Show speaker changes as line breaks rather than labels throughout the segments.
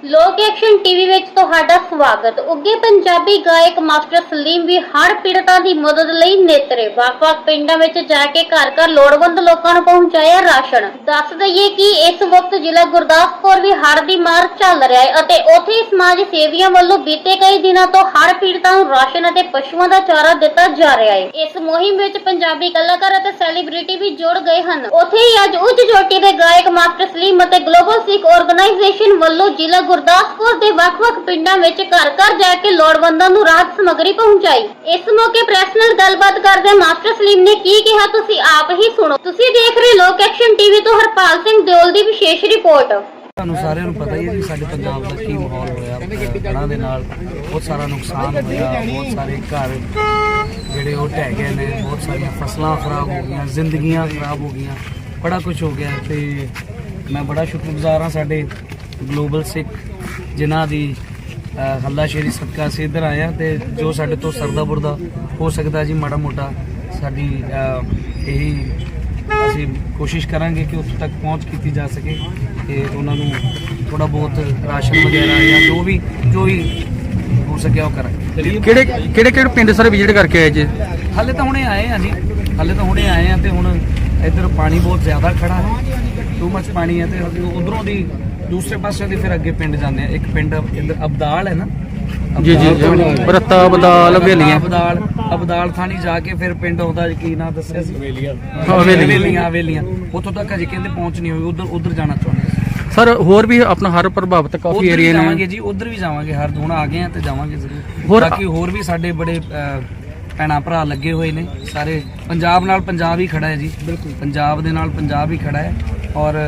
ਲੋਕ action TV ਵਿੱਚ ਤੁਹਾਡਾ ਸਵਾਗਤ। ਉੱਗੇ ਪੰਜਾਬੀ ਗਾਇਕ ਮਾਸਟਰ ਸਲੀਮ ਵੀ ਹੜ੍ਹ ਪੀੜਤਾਂ ਦੀ ਮਦਦ ਲਈ ਨੇਤਰੇ। ਵੱਖ-ਵੱਖ ਪਿੰਡਾਂ ਵਿੱਚ ਜਾ ਕੇ ਘਰ-ਘਰ ਲੋੜਵੰਦ ਲੋਕਾਂ ਨੂੰ ਪਹੁੰਚਾਇਆ ਰਾਸ਼ਨ। ਦੱਸ ਦਈਏ ਕਿ ਇਸ ਵਕਤ ਜ਼ਿਲ੍ਹਾ ਗੁਰਦਾਸਪੁਰ ਵੀ ਹੜ੍ਹ ਦੀ ਮਾਰ ਚੱਲ ਰਿਹਾ ਹੈ ਅਤੇ ਉੱਥੇ ਸਮਾਜ ਸੇਵੀਆਂ ਵੱਲੋਂ ਬੀਤੇ ਕਈ ਦਿਨਾਂ ਤੋਂ ਹੜ੍ਹ ਪੀੜਤਾਂ ਨੂੰ ਰਾਸ਼ਨ ਅਤੇ ਪਸ਼ੂਆਂ ਦਾ ਚਾਰਾ ਦਿੱਤਾ ਜਾ ਰਿਹਾ ਹੈ। ਇਸ ਮੁਹਿੰਮ ਵਿੱਚ ਪੰਜਾਬੀ ਕਲਾਕਾਰ ਅਤੇ ਸੈਲੀਬ੍ਰਿਟੀ ਵੀ ਜੁੜ ਗਏ ਹਨ। ਉੱਥੇ ਹੀ ਅੱਜ ਉੱਚ ਚੋਟੀ ਦੇ ਗਾਇਕ ਮਾਸਟਰ ਸਲੀਮ ਅਤੇ ਗਲੋਬਲ ਸਿੱਖ ਆਰਗੇਨਾਈਜੇਸ਼ਨ ਵੱਲੋਂ ਜ਼ਿਲ੍ਹਾ ਗੁਰਦਾਸਪੁਰ ਦੇ ਵੱਖ-ਵੱਖ ਪਿੰਡਾਂ ਵਿੱਚ ਘਰ-ਘਰ ਜਾ ਕੇ ਲੋੜਵੰਦਾਂ ਨੂੰ ਰਾਹਤ ਸਮੱਗਰੀ ਪਹੁੰਚਾਈ। ਇਸ ਮੌਕੇ ਪ੍ਰੈਸ ਨਾਲ ਗੱਲਬਾਤ ਕਰਦੇ ਮਾਸਟਰ ਸਲੀਮ ਨੇ ਕੀ ਕਿਹਾ, ਤੁਸੀਂ ਆਪ ਹੀ ਸੁਣੋ। ਤੁਸੀਂ ਦੇਖ ਰਹੇ ਲੋਕ ਐਕਸ਼ਨ ਟੀਵੀ ਤੋਂ ਹਰਪਾਲ ਸਿੰਘ ਦਿਓਲ ਦੀ ਵਿਸ਼ੇਸ਼ ਰਿਪੋਰਟ।
ਤੁਹਾਨੂੰ ਸਾਰਿਆਂ ਨੂੰ ਪਤਾ ਹੀ ਹੈ ਜੀ ਸਾਡੇ ਪੰਜਾਬ ਦਾ ਕੀ ਮਾਹੌਲ ਹੋਇਆ। ਹੜ੍ਹਾਂ ਦੇ ਨਾਲ ਬਹੁਤ ਸਾਰਾ ਨੁਕਸਾਨ ਹੋਇਆ, ਬਹੁਤ ਸਾਰੇ ਘਰ ਜਿਹੜੇ ਉਹ ਢਹਿ ਗਏ ਨੇ, ਬਹੁਤ ਸਾਰੀਆਂ ਫਸਲਾਂ ਖਰਾਬ ਹੋ ਗਈਆਂ, ਜ਼ਿੰਦਗੀਆਂ ਖਰਾਬ ਹੋ ਗਈਆਂ, ਬੜਾ ਕੁਝ ਹੋ ਗਿਆ। ਤੇ ਮੈਂ ਬੜਾ ਸ਼ੁਕਰਗੁਜ਼ਾਰ ਹਾਂ ਸਾਡੇ ਗਲੋਬਲ ਸਿੱਖ ਜਿਨ੍ਹਾਂ ਦੀ ਹੱਲਾਸ਼ੇਰੀ ਸਦਕਾ ਅਸੀਂ ਇੱਧਰ ਆਏ ਹਾਂ ਤੇ ਜੋ ਸਾਡੇ ਤੋਂ ਸਰਦਾ ਬੁਰਦਾ ਹੋ ਸਕਦਾ ਜੀ ਮਾੜਾ ਮੋਟਾ ਸਾਡੀ ਇਹੀ ਅਸੀਂ ਕੋਸ਼ਿਸ਼ ਕਰਾਂਗੇ ਕਿ ਉੱਥੇ ਤੱਕ ਪਹੁੰਚ ਕੀਤੀ ਜਾ ਸਕੇ ਤੇ ਉਹਨਾਂ ਨੂੰ ਥੋੜਾ ਬਹੁਤ ਰਾਸ਼ਨ ਵਗੈਰਾ ਜਾਂ ਜੋ ਵੀ ਹੋ ਸਕਿਆ ਉਹ ਕਰਾਂਗੇ।
ਕਿਹੜੇ ਪਿੰਡ ਸਾਰੇ ਵਿਜ਼ਿਟ ਕਰਕੇ ਆਏ ਜੀ?
ਹਾਲੇ ਤਾਂ ਹੁਣੇ ਆਏ ਹਾਂ ਜੀ, ਤੇ ਹੁਣ ਇੱਧਰ ਪਾਣੀ ਬਹੁਤ ਜ਼ਿਆਦਾ ਖੜਾ ਹੈ, ਟੂ ਮੱਚ ਪਾਣੀ ਹੈ ਤੇ ਉਧਰੋਂ ਦੀ ਦੂਸਰੇ ਪਾਸੇ ਦੀ ਫਿਰ ਅੱਗੇ ਪਿੰਡ ਜਾਂਦੇ ਆ। ਇੱਕ ਪਿੰਡ ਇੱਧਰ ਅਬਦਾਲ ਹੈ ਨਾ,
ਜੀ ਬਰਤਾ ਬਦਾਲ ਹਵੇਲੀਆਂ,
ਅਬਦਾਲ ਥਾਣੀ ਜਾ ਕੇ ਫਿਰ ਪਿੰਡ ਆਉਂਦਾ ਕੀ ਨਾਂ ਦੱਸਿਆ ਸੀ, ਹਵੇਲੀਆਂ। ਉੱਥੋਂ ਤੱਕ ਅਜੇ ਕਹਿੰਦੇ ਪਹੁੰਚ ਨਹੀਂ ਹੋਈ, ਉਧਰ ਜਾਣਾ ਚਾਹੁੰਦੇ
ਸਰ। ਹੋਰ ਵੀ ਆਪਣਾ ਹਰ ਪ੍ਰਭਾਵਿਤ ਕਾਫੀ ਏਰੀਆ ਨੇ
ਜਾਵਾਂਗੇ ਜੀ, ਉਧਰ ਵੀ ਜਾਵਾਂਗੇ। ਹਰ ਹੁਣ ਆ ਗਏ ਆ ਤੇ ਜਾਵਾਂਗੇ ਜ਼ਰੂਰ। ਬਾਕੀ ਹੋਰ ਵੀ ਸਾਡੇ ਬੜੇ ਭੈਣਾਂ ਭਰਾ ਲੱਗੇ ਹੋਏ ਨੇ ਸਾਰੇ। ਪੰਜਾਬ ਨਾਲ ਪੰਜਾਬ ਹੀ ਖੜਾ ਹੈ ਜੀ, ਬਿਲਕੁਲ ਪੰਜਾਬ ਦੇ ਨਾਲ ਪੰਜਾਬ ਹੀ ਖੜਾ ਹੈ ਔਰ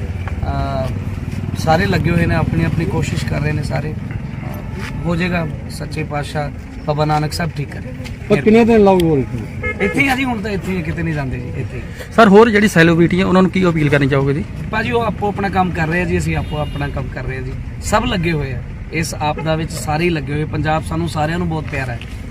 ਸਾਰੇ ਲੱਗੇ ਹੋਏ ਨੇ, ਆਪਣੀ ਆਪਣੀ ਕੋਸ਼ਿਸ਼ ਕਰ ਰਹੇ ਨੇ ਸਾਰੇ। ਹੋ ਜਾਏਗਾ, ਸੱਚੇ ਪਾਤਸ਼ਾਹ ਬਾਬਾ ਨਾਨਕ ਸਾਹਿਬ ਠੀਕ ਕਰੇ।
ਪਰ ਕਿੰਨੇ ਦਿਨ ਲਾਊਗਾ
ਇੱਥੇ ਹੀ ਆ ਜੀ, ਹੁਣ ਤਾਂ ਇੱਥੇ ਹੀ, ਕਿਤੇ ਨਹੀਂ ਜਾਂਦੇ ਜੀ, ਇੱਥੇ
ਸਰ। ਹੋਰ ਜਿਹੜੀ ਸੈਲੀਬ੍ਰਿਟੀ ਹੈ ਉਹਨਾਂ ਨੂੰ ਕੀ ਅਪੀਲ ਕਰਨੀ ਚਾਹੋਗੇ ਜੀ?
ਭਾਜੀ ਉਹ ਆਪੋ ਆਪਣਾ ਕੰਮ ਕਰ ਰਹੇ ਆ ਜੀ, ਅਸੀਂ ਆਪੋ ਆਪਣਾ ਕੰਮ ਕਰ ਰਹੇ ਆ ਜੀ। ਸਭ ਲੱਗੇ ਹੋਏ ਆ ਇਸ ਆਪਦਾ ਵਿੱਚ, ਸਾਰੇ ਹੀ ਲੱਗੇ ਹੋਏ। ਪੰਜਾਬ ਸਾਨੂੰ ਸਾਰਿਆਂ ਨੂੰ ਬਹੁਤ ਪਿਆਰਾ ਹੈ।